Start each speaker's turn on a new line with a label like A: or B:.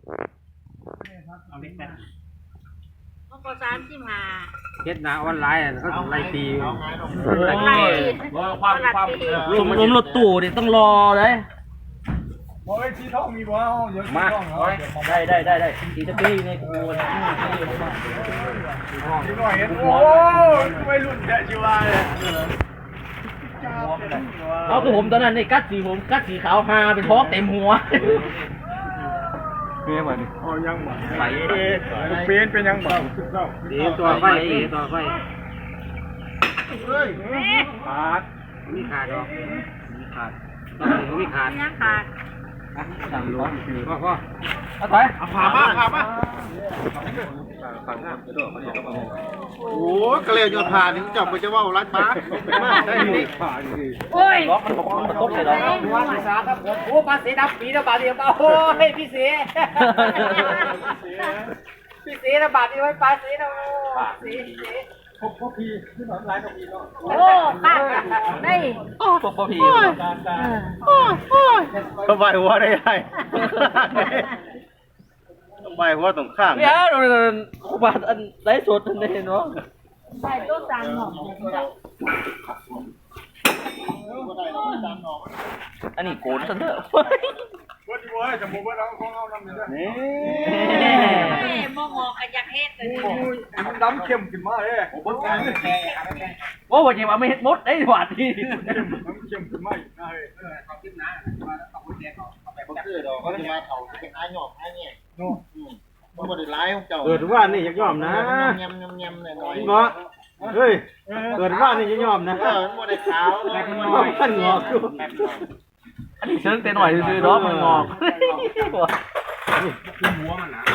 A: เอาเล็กแต่
B: มันก็35
A: เฮ็ดหน้าออนไลน์เขาไล่ตี
B: ไล่
C: ลมรถตู้นี่ต้องรอเลย
D: โอ้ยชีทองมีบ่เอาเดี๋ยวชีทองเอา
C: ได้อีกจะปีในกู
D: ชีหน่อยโอ้ยไม่รุ่นแกชีวาเลย
C: เอาคือผมตอนนั้นนี่กัดสีขาวฮาเป็นท้องเต็มหัว
D: เปี้ยบ่นี่อ๋อยังบ่ไหลเปี้ยเป็นยังบ่
A: ดีตัวไฟดีตัวไฟ
D: เฮ้ยขาด
A: มีขาดหรอมีขาดต้องมีขาด
B: ยังขาด
C: สั่งรถ
A: พ่อ
C: เอาถอย
D: เอาผ่ามาโอ้กระเลวผ่านี่จับไปจะว่ารัดมาได้ดิผ่าดิ
B: โอ้ย
C: ล็อกมันบอกมันตกเลยหรอ
A: ว่าภาษาครับโอ้ภาษีดับปีละบาทเดียวโอ้ยพี่เสียพี่เสียละบาทเดียวไว้ภาษีนะสี
D: พวกพี่ที่หนอนร้ายกับพี่เนาะ
B: โอ้ข้างได้
C: พวกพ่อพี่
D: ก็ใบหัวได้ไงใบหัวตรงข้าง
C: เนี่ยอุบัติอันไร้สดอันนี้เนาะ
B: ใส่ตัวสั่งหอม
C: อันนี้โกนซะเถอะ
D: ว่าที่ว่าจะมูว่าเราของเรานำเนี่ยนี่
B: มองอกกันอยากเฮ็ดเลย
D: มันดำเข้มขึ้นมาเลยโอ้โหแก
C: โอ้วันนี้มาไม่เห็ดมดไอ้หวานที่
D: เข้มขึ้นมาอีกนะเฮ้ย
A: เขาขึ้นนะว่าต้องแดงเขาไป
E: ก็คือดอกก็จะมาเขาเป็นอ้ายหยอกอ้ายเนี่ยมันบ่ได้ร้ายของเจ้า
A: เกิดว่านี่ยังยอมนะ
E: ยำหน่อย
A: เนาะเฮ้ยเกิดว่านี่ยังยอมนะ
E: มันบ่ได้ขาว
A: แต่มันน้อยมันงอกอยู่
C: อันนี้เชิงเต้นหน่อยซื้อๆเนาะมันงอก
A: หัวมันนะ